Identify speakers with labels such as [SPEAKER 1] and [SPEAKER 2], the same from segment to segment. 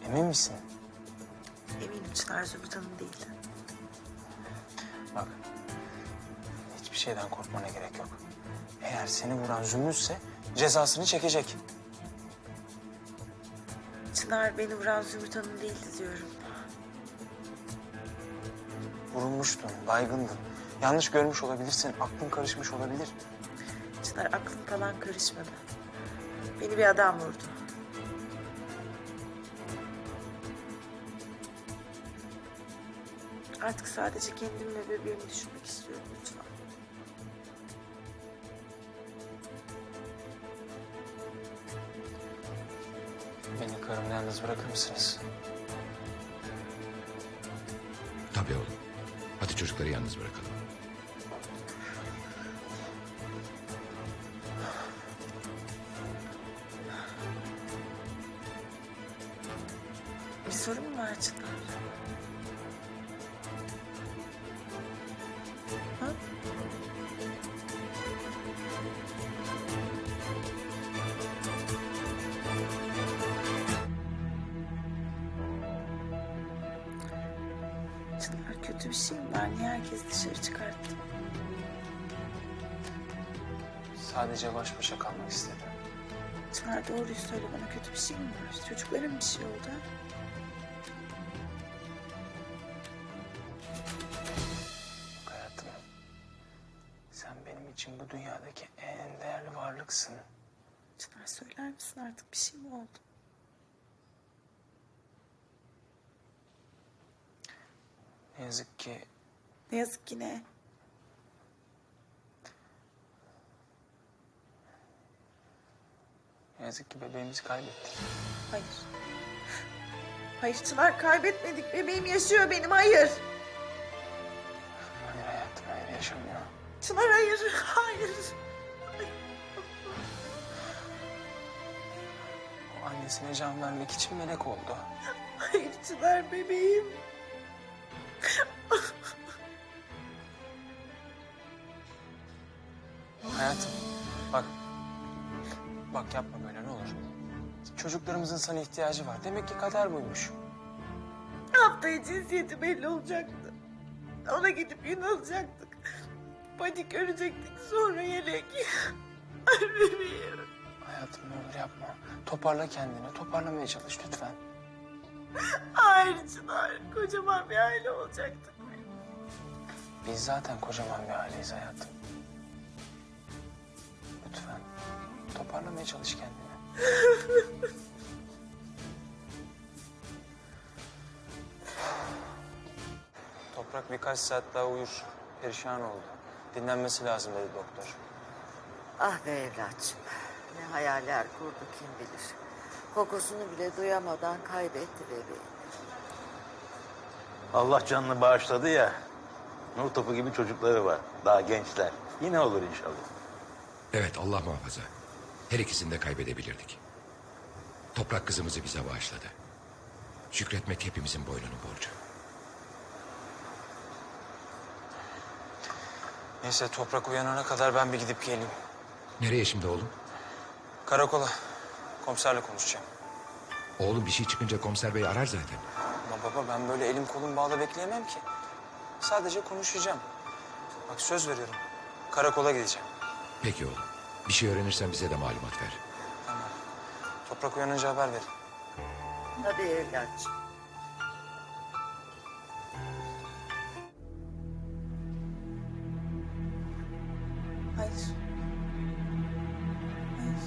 [SPEAKER 1] Emin misin?
[SPEAKER 2] Eminim Çınar Zümrüt Hanım değil.
[SPEAKER 1] Bak, hiçbir şeyden korkmana gerek yok. Eğer seni vuran Zümrüt'se cezasını çekecek.
[SPEAKER 2] Çınar beni vuran Zümrüt Hanım değildi diyorum.
[SPEAKER 1] Vurulmuştun, baygındın. Yanlış görmüş olabilirsin, aklın karışmış olabilir.
[SPEAKER 2] Çınar aklım falan karışmadı. Beni bir adam vurdu. Artık sadece kendimi ve bebeğimi düşünmek istiyorum lütfen.
[SPEAKER 1] Beni karımla yalnız bırakır mısınız?
[SPEAKER 3] Tabii oğlum. Hadi çocukları yalnız bırakalım.
[SPEAKER 2] Bir sorun mu var Çınar? Ha? Çınar kötü bir şey mi var? Niye herkes dışarı çıkarttı?
[SPEAKER 1] Sadece baş başa kalmak istedim.
[SPEAKER 2] Çınar doğruyu söyle bana, kötü bir şey mi var? Çocuklara bir şey oldu?
[SPEAKER 1] Bak hayatım, sen benim için bu dünyadaki en değerli varlıksın.
[SPEAKER 2] Çınar söyler misin artık, bir şey mi oldu?
[SPEAKER 1] Ne yazık ki
[SPEAKER 2] Ne yazık ki ne?
[SPEAKER 1] bebeğimizi kaybettik.
[SPEAKER 2] Hayır. Hayır Çınar, kaybetmedik. Bebeğim yaşıyor benim, hayır.
[SPEAKER 1] Hayır hayatım, hayır yaşamıyor.
[SPEAKER 2] Çınar hayır, hayır.
[SPEAKER 1] O annesine can vermek için melek oldu.
[SPEAKER 2] Hayır Çınar, bebeğim.
[SPEAKER 1] Hayatım, bak. Bak yapma böyle ne olur. Çocuklarımızın sana ihtiyacı var. Demek ki kader buymuş.
[SPEAKER 2] Haftaya cinsiyeti belli olacaktı. Ona gidip yün alacaktık. Panik örecektik, sonra yelek. Ay bebeğim.
[SPEAKER 1] Hayatım ne olur yapma. Toparla kendini. Toparlamaya çalış lütfen.
[SPEAKER 2] Hayır Çınar, kocaman bir aile olacaktık.
[SPEAKER 1] Biz zaten kocaman bir aileyiz hayatım. Lütfen. Toparlamaya çalış kendini. Toprak birkaç saat daha uyur. Perişan oldu. Dinlenmesi lazım dedi doktor.
[SPEAKER 4] Ah be evlatçım. Ne hayaller kurdu kim bilir. Kokusunu bile duyamadan kaybetti bebeği.
[SPEAKER 5] Allah canını bağışladı ya. Nur topu gibi çocukları var. Daha gençler. Yine olur inşallah.
[SPEAKER 3] Evet, Allah muhafaza. Her ikisini de kaybedebilirdik. Toprak kızımızı bize bağışladı. Şükretmek hepimizin boynunun borcu.
[SPEAKER 1] Neyse Toprak uyanana kadar ben bir gidip geleyim.
[SPEAKER 3] Nereye şimdi oğlum?
[SPEAKER 1] Karakola. Komiserle konuşacağım.
[SPEAKER 3] Oğlum bir şey çıkınca komiser bey arar zaten.
[SPEAKER 1] Ama baba ben böyle elim kolum bağlı bekleyemem ki. Sadece konuşacağım. Bak söz veriyorum. Karakola gideceğim.
[SPEAKER 3] Peki oğlum. Bir şey öğrenirsen bize de malumat ver.
[SPEAKER 1] Tamam. Toprak uyanınca haber verin.
[SPEAKER 4] Tabii evlatçım.
[SPEAKER 2] Hayır. Hayır.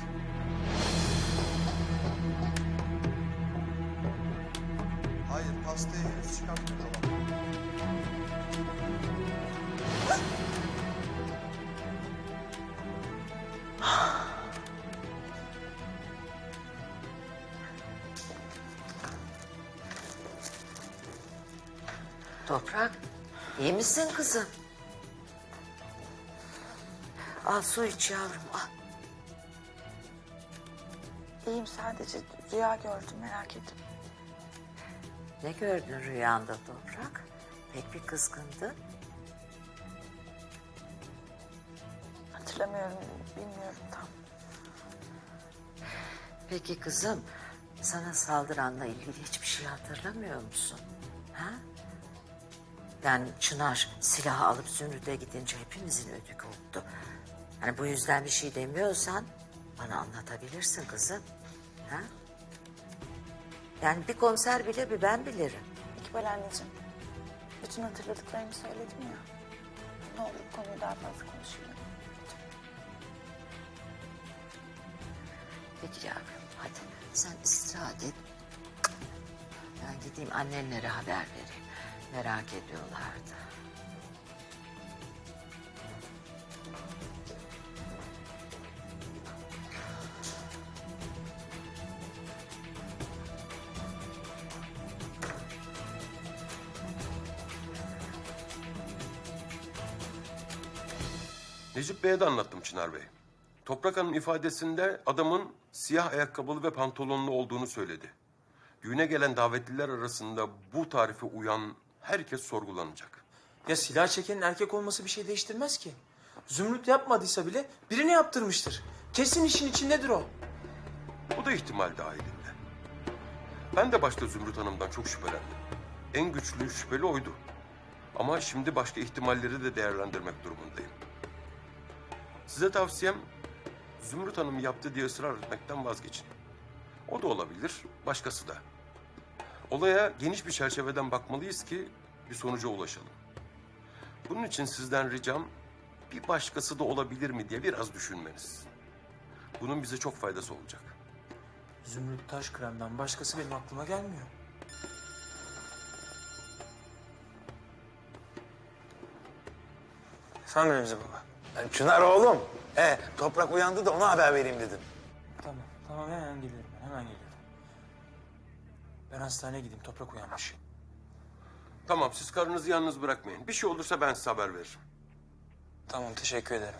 [SPEAKER 6] Hayır, pastayı henüz çıkartmıyor olan.
[SPEAKER 4] Toprak, iyi misin kızım? Al su iç yavrum, al.
[SPEAKER 2] İyiyim, sadece rüya gördüm, merak ettim.
[SPEAKER 4] Ne gördün rüyanda Toprak? Pek bir kızgındın.
[SPEAKER 2] Hatırlamıyorum, bilmiyorum tam.
[SPEAKER 4] Peki kızım, Sana saldıranla ilgili hiçbir şey hatırlamıyor musun? Ha? Yani Çınar silahı alıp Zümrüt'e gidince hepimizin ödü koptu. Hani bu yüzden bir şey demiyorsan bana anlatabilirsin kızım. Ha? Yani bir komiser bile bir ben bilirim.
[SPEAKER 7] İkbal anneciğim, bütün hatırladıklarımı söyledim ya. Ne olur bu konuyu daha fazla konuşmayalım.
[SPEAKER 4] Peki yavrum hadi sen istirahat et. Ben gideyim annenlere haber vereyim. Merak ediyorlardı.
[SPEAKER 8] Necip Bey'e de anlattım Çınar Bey. Toprak Hanım ifadesinde adamın siyah ayakkabılı ve pantolonlu olduğunu söyledi. Düğüne gelen davetliler arasında bu tarife uyan herkes sorgulanacak.
[SPEAKER 1] Ya silah çekenin erkek olması bir şey değiştirmez ki. Zümrüt yapmadıysa bile birini yaptırmıştır. Kesin işin içindedir o.
[SPEAKER 8] Bu da ihtimal dahilinde. Ben de başta Zümrüt Hanım'dan çok şüphelendim. En güçlü şüpheli oydu. Ama şimdi başka ihtimalleri de değerlendirmek durumundayım. Size tavsiyem Zümrüt Hanım yaptı diye ısrar etmekten vazgeçin. O da olabilir, başkası da. Olaya geniş bir çerçeveden bakmalıyız ki bir sonuca ulaşalım. Bunun için sizden ricam bir başkası da olabilir mi diye biraz düşünmeniz. Bunun bize çok faydası olacak.
[SPEAKER 1] Zümrüt Taşkıran'dan başkası benim aklıma gelmiyor. Efendim Remzi baba.
[SPEAKER 5] Çınar oğlum. Toprak uyandı da ona haber vereyim dedim.
[SPEAKER 1] Tamam hemen geliyorum ben, hemen geliyorum. Ben hastaneye gideyim, Toprak uyanmış.
[SPEAKER 8] Tamam, siz karınızı yalnız bırakmayın. Bir şey olursa ben size haber veririm.
[SPEAKER 1] Tamam, teşekkür ederim.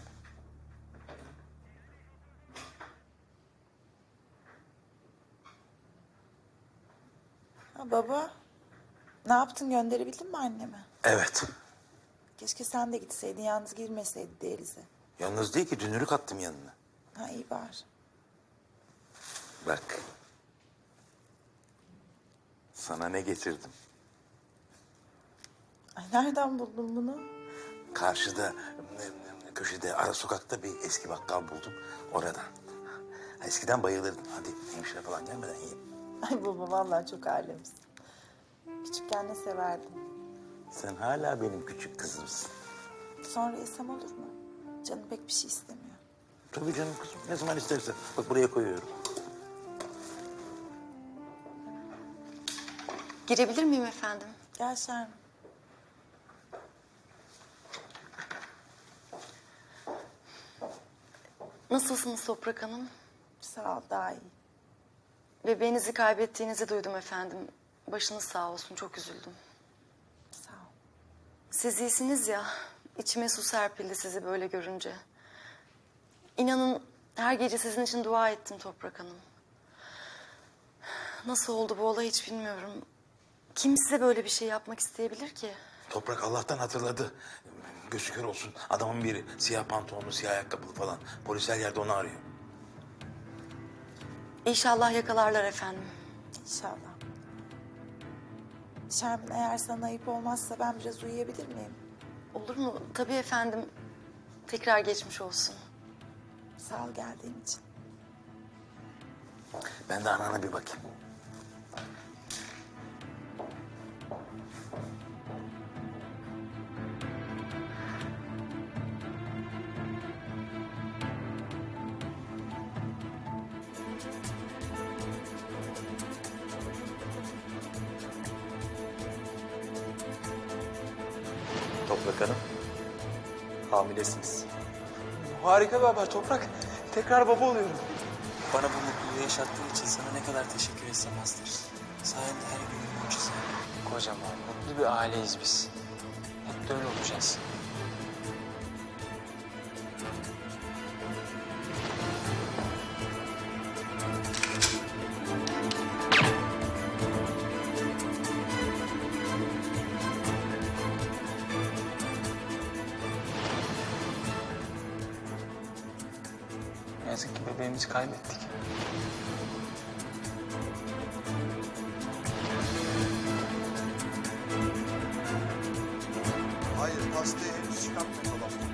[SPEAKER 2] Ha, baba, ne yaptın, gönderebildin mi annemi?
[SPEAKER 9] Evet.
[SPEAKER 2] Keşke sen de gitseydin, yalnız girmeseydi Denize.
[SPEAKER 9] Yalnız değil ki dünürük attım yanına.
[SPEAKER 2] Ha iyi bari.
[SPEAKER 9] Bak. Sana ne getirdim?
[SPEAKER 2] Ay nereden buldun bunu?
[SPEAKER 9] Karşıda köşede ara sokakta bir eski bakkal buldum. Oradan. Eskiden bayılırdım. Hadi hemşire falan gelmeden yiyeyim.
[SPEAKER 2] Ay baba vallahi çok alemsin. Küçükken ne severdim.
[SPEAKER 9] Sen hala benim küçük kızımsın.
[SPEAKER 2] Sonra yesem olur mu? Canım pek bir şey istemiyor.
[SPEAKER 9] Tabii canım kızım. Ne zaman istersen. Bak buraya koyuyorum.
[SPEAKER 7] Girebilir miyim efendim?
[SPEAKER 2] Gel Şermin.
[SPEAKER 7] Nasılsınız Toprak Hanım?
[SPEAKER 2] Sağ ol, daha iyi.
[SPEAKER 7] Bebeğinizi kaybettiğinizi duydum efendim. Başınız sağ olsun, çok üzüldüm.
[SPEAKER 2] Sağ ol.
[SPEAKER 7] Siz iyisiniz ya, içime su serpildi sizi böyle görünce. İnanın her gece sizin için dua ettim Toprak Hanım. Nasıl oldu bu olay hiç bilmiyorum. Kim size böyle bir şey yapmak isteyebilir ki?
[SPEAKER 9] Toprak Allah'tan hatırladı. Gözü kör olsun. Adamın biri siyah pantolonlu, siyah ayakkabılı falan. Polis her yerde onu arıyor.
[SPEAKER 7] İnşallah yakalarlar efendim.
[SPEAKER 2] İnşallah. Şermin eğer sana ayıp olmazsa ben biraz uyuyabilir miyim?
[SPEAKER 7] Olur mu? Tabii efendim. Tekrar geçmiş olsun.
[SPEAKER 2] Sağ ol geldiğin için.
[SPEAKER 9] Ben de anana bir bakayım.
[SPEAKER 6] Toprak Hanım, hamilesiniz.
[SPEAKER 1] Harika bir haber Toprak. Tekrar baba oluyorum. Bana bu mutluluğu yaşattığın için sana ne kadar teşekkür etsem azdır. Sayende her gün bir mucize. Kocaman, mutlu bir aileyiz biz. Hep de öyle olacağız. Ne yazık ki bebeğimizi kaybettik.
[SPEAKER 6] pastayı henüz çıkartmadı dolaptan.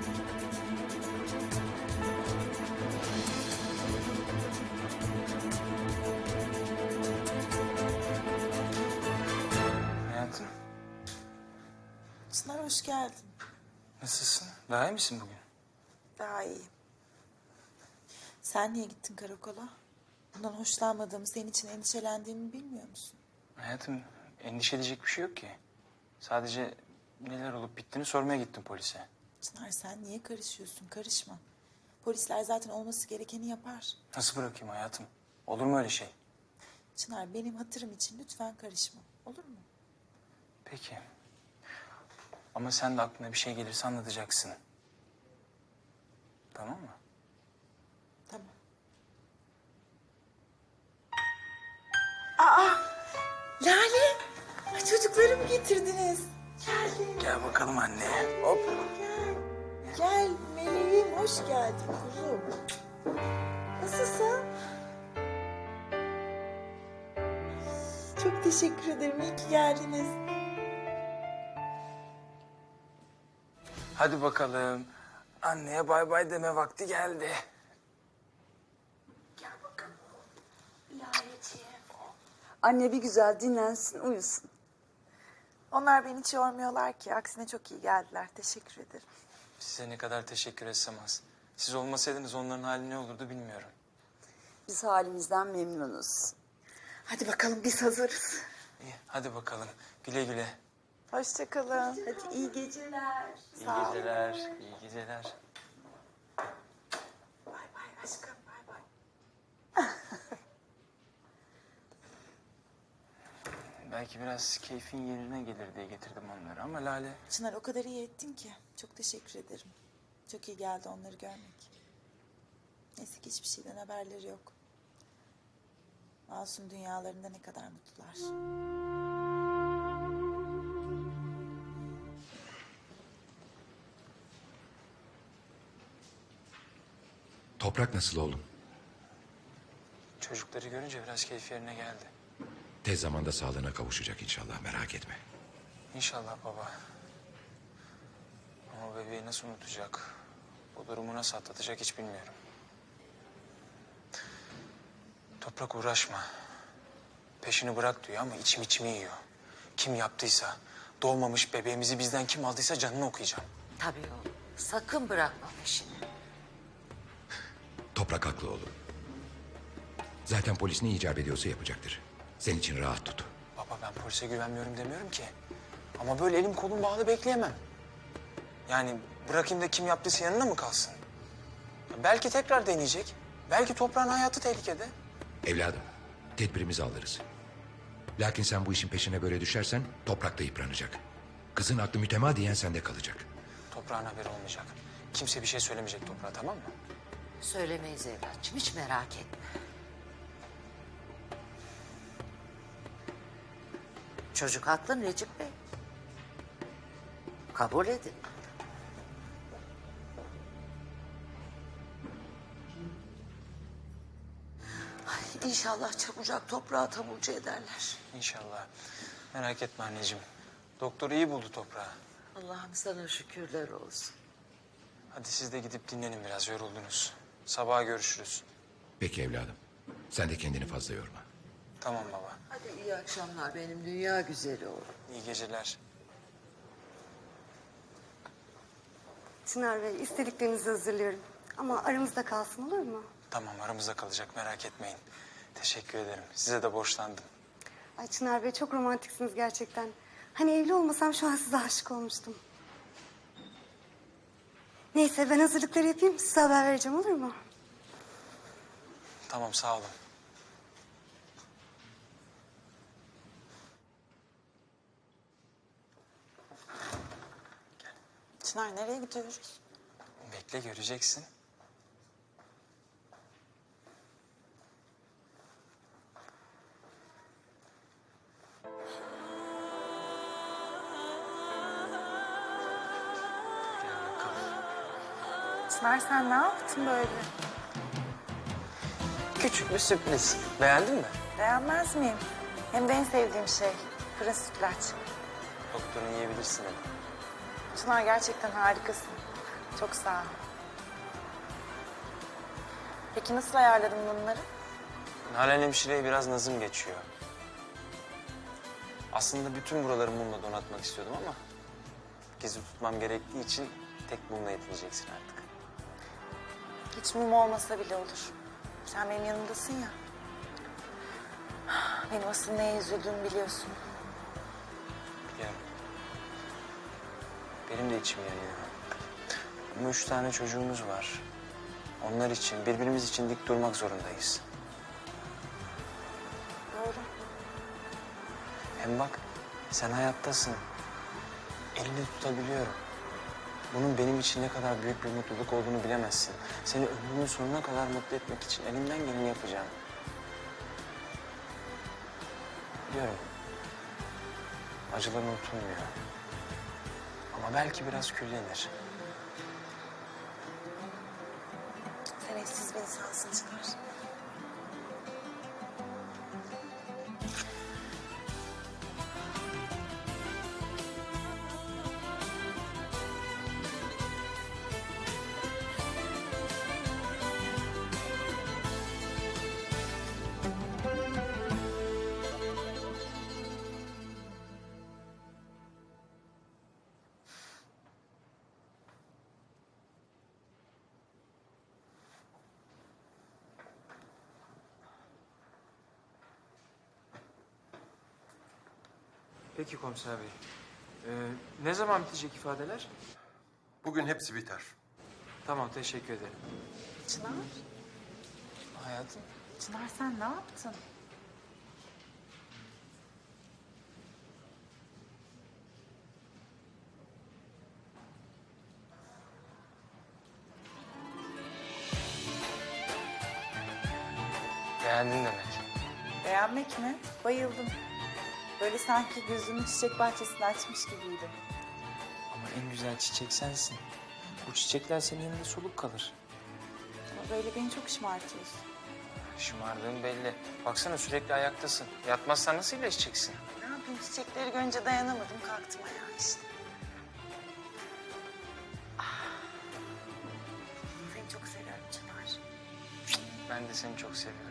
[SPEAKER 1] Hayatım,
[SPEAKER 2] Çınar hoş geldin.
[SPEAKER 1] nasılsın? Daha iyi misin bugün?
[SPEAKER 2] Daha iyi. Sen niye gittin karakola? Bundan hoşlanmadığımı, senin için endişelendiğimi bilmiyor musun?
[SPEAKER 1] Hayatım, endişe edecek bir şey yok ki. Sadece neler olup bittiğini sormaya gittim polise.
[SPEAKER 2] Çınar sen niye karışıyorsun? Karışma. Polisler zaten olması gerekeni yapar.
[SPEAKER 1] Nasıl bırakayım hayatım? Olur mu öyle şey?
[SPEAKER 2] Çınar benim hatırım için lütfen karışma. Olur mu?
[SPEAKER 1] Peki. Ama sen de aklına bir şey gelirse anlatacaksın. Tamam mı?
[SPEAKER 2] Tamam. Lale! Ay, çocuklarımı getirdiniz. Geldin.
[SPEAKER 1] Gel bakalım anne.
[SPEAKER 2] Hop. Gel. Gel meleğim, hoş geldin kuzum. Nasılsın? Çok teşekkür ederim. İyi ki geldiniz.
[SPEAKER 1] Hadi bakalım. Anneye bay bay deme vakti geldi.
[SPEAKER 10] Anne bir güzel dinlensin, uyusun.
[SPEAKER 2] Onlar beni hiç yormuyorlar ki. Aksine çok iyi geldiler. Teşekkür ederim.
[SPEAKER 1] Size ne kadar teşekkür etsem az. Siz olmasaydınız onların hali ne olurdu bilmiyorum.
[SPEAKER 10] Biz halimizden memnunuz.
[SPEAKER 2] Hadi bakalım biz hazırız.
[SPEAKER 1] İyi, hadi bakalım. Güle güle.
[SPEAKER 2] Hoşça kalın.
[SPEAKER 10] Hadi iyi geceler.
[SPEAKER 1] İyi geceler, iyi geceler.
[SPEAKER 2] Bay bay aşkım. Bay bay.
[SPEAKER 1] Belki biraz keyfin yerine gelir diye getirdim onları ama Lale...
[SPEAKER 2] Çınar o kadar iyi ettin ki. Çok teşekkür ederim. Çok iyi geldi onları görmek. Neyse ki hiçbir şeyden haberleri yok. Masum dünyalarında ne kadar mutlular.
[SPEAKER 3] Toprak nasıl oğlum?
[SPEAKER 1] Çocukları görünce biraz keyfi yerine geldi.
[SPEAKER 3] Tez zamanda sağlığına kavuşacak inşallah, merak etme.
[SPEAKER 1] İnşallah baba. Ama bebeği nasıl unutacak, bu durumu nasıl atlatacak hiç bilmiyorum. Toprak uğraşma. Peşini bırak diyor ama içimi yiyor. Kim yaptıysa, doğmamış bebeğimizi bizden kim aldıysa canını okuyacağım.
[SPEAKER 4] Tabii oğlum. Sakın bırakma peşini.
[SPEAKER 3] Toprak haklı oğlum. Zaten polis ne icap ediyorsa yapacaktır. Senin için rahat tut.
[SPEAKER 1] Baba ben polise güvenmiyorum demiyorum ki. Ama böyle elim kolum bağlı bekleyemem. Yani bırakayım da kim yaptıysa yanına mı kalsın? Belki tekrar deneyecek. Belki toprağın hayatı tehlikede.
[SPEAKER 3] Evladım, tedbirimizi alırız. Lakin sen bu işin peşine böyle düşersen toprak da yıpranacak. Kızın aklı mütemadiyen sende kalacak.
[SPEAKER 1] Toprağın haberi olmayacak. Kimse bir şey söylemeyecek toprağa, tamam mı?
[SPEAKER 4] Söylemeyiz evlatçım, hiç merak etme. Çocuk haklı Necip Bey. Kabul edin. Ay, İnşallah çabucak toprağı taburcu ederler.
[SPEAKER 1] İnşallah. Merak etme anneciğim. Doktor iyi buldu toprağı.
[SPEAKER 4] Allah'ım sana şükürler olsun.
[SPEAKER 1] Hadi siz de gidip dinlenin biraz, yoruldunuz. Sabaha görüşürüz.
[SPEAKER 3] Peki evladım. Sen de kendini fazla yorma.
[SPEAKER 1] Tamam baba.
[SPEAKER 4] Hadi iyi akşamlar benim dünya güzeli oğlum.
[SPEAKER 1] İyi geceler.
[SPEAKER 10] Çınar Bey, istediklerinizi hazırlıyorum. Ama aramızda kalsın, olur mu?
[SPEAKER 1] Tamam, aramızda kalacak, merak etmeyin. Teşekkür ederim. Size de borçlandım.
[SPEAKER 10] Ay Çınar Bey, çok romantiksiniz gerçekten. Hani evli olmasam şu an size aşık olmuştum. Neyse, ben hazırlıkları yapayım, size haber vereceğim, olur mu?
[SPEAKER 1] Tamam, sağ olun.
[SPEAKER 2] Çınar nereye gidiyoruz?
[SPEAKER 1] Bekle, göreceksin. Gel bakalım.
[SPEAKER 2] Çınar sen ne yaptın böyle?
[SPEAKER 1] Küçük bir sürpriz. Beğendin mi?
[SPEAKER 2] Beğenmez miyim? Hem de en sevdiğim şey. Fırın sütlaç.
[SPEAKER 1] Doktorun yiyebilirsin dedi.
[SPEAKER 2] Çınar gerçekten harikasın. Çok sağ ol. Peki nasıl ayarladın bunları?
[SPEAKER 1] Nalan hemşireye biraz nazım geçiyor. Aslında bütün buraları mumla donatmak istiyordum ama... ...gizli tutmam gerektiği için tek mumla yetineceksin artık.
[SPEAKER 2] Hiç mum olmasa bile olur. Sen benim yanımdasın ya. Benim asıl neye üzüldüğümü biliyorsun.
[SPEAKER 1] Biliyorum. Benim de içim yanıyor. Ama 3 tane çocuğumuz var. Onlar için, birbirimiz için dik durmak zorundayız.
[SPEAKER 2] Doğru.
[SPEAKER 1] Hem bak, sen hayattasın. Elini tutabiliyorum. Bunun benim için ne kadar büyük bir mutluluk olduğunu bilemezsin. Seni ömrümün sonuna kadar mutlu etmek için elimden geleni yapacağım. Biliyorum. Acılar unutulmuyor. Ama belki biraz küllenir.
[SPEAKER 2] Sen eşsiz bir insansın Çınar.
[SPEAKER 1] Peki komiser bey. Ne zaman bitecek ifadeler?
[SPEAKER 8] Bugün hepsi biter.
[SPEAKER 1] Tamam, teşekkür ederim.
[SPEAKER 2] Çınar?
[SPEAKER 1] Hayatım.
[SPEAKER 2] Çınar sen ne yaptın?
[SPEAKER 1] Beğendin demek.
[SPEAKER 2] Beğenmek mi? Bayıldım. Böyle sanki gözümü çiçek bahçesinde açmış gibiydim.
[SPEAKER 1] Ama en güzel çiçek sensin. Bu çiçekler senin yanında soluk kalır.
[SPEAKER 2] Ama böyle beni çok şımartıyorsun.
[SPEAKER 1] Şımardığın belli. Baksana sürekli ayaktasın. Yatmazsan nasıl iyileşeceksin?
[SPEAKER 2] Ne yapayım çiçekleri görünce dayanamadım kalktım ayağa işte. Seni çok seviyorum Çınar.
[SPEAKER 1] Ben de seni çok seviyorum.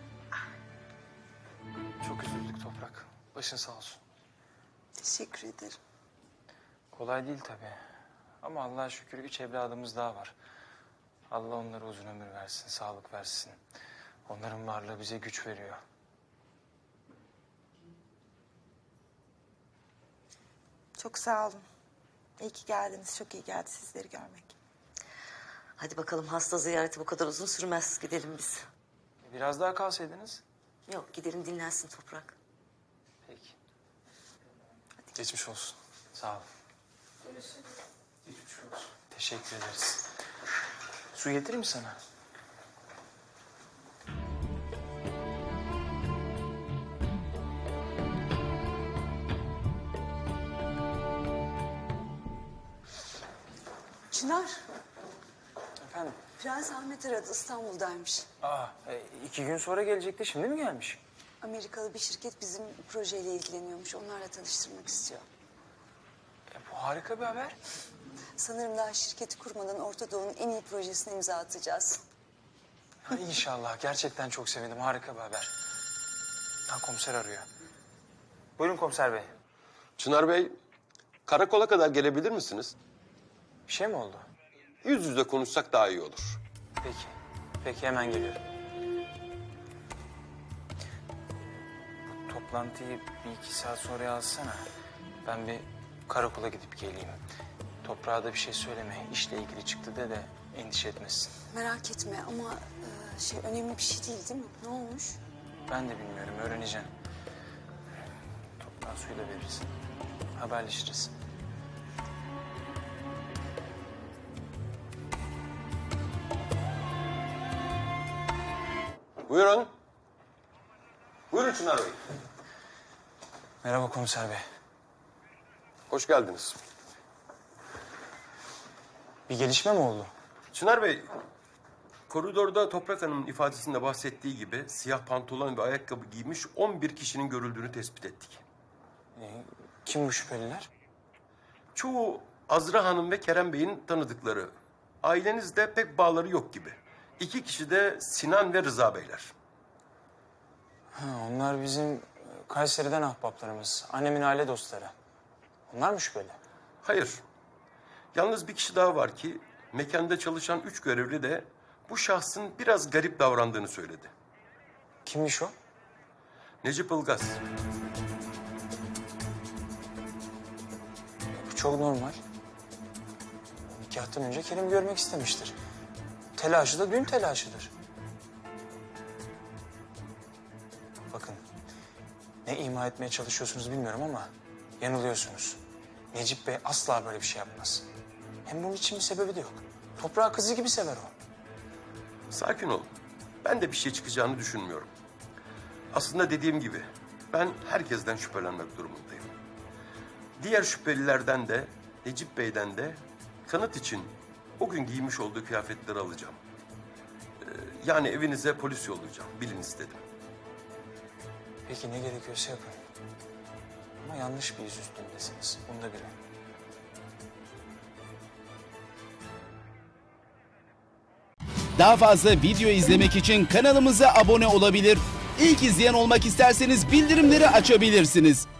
[SPEAKER 1] Çok üzüldük Toprak. Başın sağ olsun.
[SPEAKER 2] Teşekkür ederim.
[SPEAKER 1] Kolay değil tabii. Ama Allah'a şükür 3 evladımız daha var. Allah onlara uzun ömür versin, sağlık versin. Onların varlığı bize güç veriyor.
[SPEAKER 2] Çok sağ olun. İyi ki geldiniz. Çok iyi geldi sizleri görmek.
[SPEAKER 4] Hadi bakalım hasta ziyareti bu kadar uzun sürmez. Gidelim biz.
[SPEAKER 1] Biraz daha kalsaydınız.
[SPEAKER 4] Yok gidelim dinlensin Toprak.
[SPEAKER 1] Peki. Geçmiş olsun. Sağ ol. Geçmiş olsun. Teşekkür ederiz. Su getireyim mi sana?
[SPEAKER 10] Çınar,
[SPEAKER 1] Efendim?
[SPEAKER 10] Prens Ahmet aradı. İstanbul'daymış.
[SPEAKER 1] 2 gün sonra gelecekti. Şimdi mi gelmiş?
[SPEAKER 10] Amerikalı bir şirket bizim projeyle ilgileniyormuş. Onlarla tanıştırmak istiyor.
[SPEAKER 1] Bu harika bir haber.
[SPEAKER 10] Sanırım daha şirketi kurmadan Orta Doğu'nun en iyi projesine imza atacağız.
[SPEAKER 1] Ha, İnşallah. Gerçekten çok sevindim. Harika bir haber. Komiser arıyor. Buyurun komiser bey.
[SPEAKER 8] Çınar Bey, karakola kadar gelebilir misiniz?
[SPEAKER 1] Bir şey mi oldu?
[SPEAKER 8] Yüz yüze konuşsak daha iyi olur.
[SPEAKER 1] Peki. Peki hemen geliyorum. Bu toplantıyı 1-2 saat sonra alsana. Ben bir karakola gidip geleyim. Toprağa da bir şey söyleme. İşle ilgili çıktı de endişe etmesin.
[SPEAKER 10] Merak etme ama önemli bir şey değil mi? Ne olmuş?
[SPEAKER 1] Ben de bilmiyorum. Öğreneceğim. Toprağa suyu da veririz. Haberleşiriz.
[SPEAKER 8] Buyurun. Buyurun Çınar Bey.
[SPEAKER 1] Merhaba komiser bey.
[SPEAKER 8] Hoş geldiniz.
[SPEAKER 1] Bir gelişme mi oldu?
[SPEAKER 8] Çınar Bey, koridorda Toprak Hanım'ın ifadesinde bahsettiği gibi siyah pantolon ve ayakkabı giymiş 11 kişinin görüldüğünü tespit ettik.
[SPEAKER 1] Kim bu şüpheliler?
[SPEAKER 8] Çoğu Azra Hanım ve Kerem Bey'in tanıdıkları. Ailenizde pek bağları yok gibi. 2 kişi de Sinan ve Rıza Beyler.
[SPEAKER 1] Ha, onlar bizim Kayseri'den ahbaplarımız. Annemin aile dostları. Onlar mı şüpheli?
[SPEAKER 8] Hayır. Yalnız bir kişi daha var ki mekanda çalışan 3 görevli de bu şahsın biraz garip davrandığını söyledi.
[SPEAKER 1] Kimmiş o?
[SPEAKER 8] Necip Ilgaz.
[SPEAKER 1] Bu çok normal. Nikahtan önce Kerim görmek istemiştir. Telaşı da düğün telaşıdır. Bakın, ne ima etmeye çalışıyorsunuz bilmiyorum ama yanılıyorsunuz. Necip Bey asla böyle bir şey yapmaz. Hem bunun için bir sebebi de yok. Toprağı kızı gibi sever o.
[SPEAKER 8] Sakin ol. Ben de bir şey çıkacağını düşünmüyorum. Aslında dediğim gibi ben herkesten şüphelenmek durumundayım. Diğer şüphelilerden de Necip Bey'den de kanıt için o gün giymiş olduğu kıyafetleri alacağım. Yani evinize polis yollayacağım. Bilin istedim.
[SPEAKER 1] Peki ne gerekiyorsa yapın. Ama yanlış bir iz üstündesiniz. Bunu da bilin.
[SPEAKER 11] Daha fazla video izlemek için kanalımıza abone olabilir. İlk izleyen olmak isterseniz bildirimleri açabilirsiniz.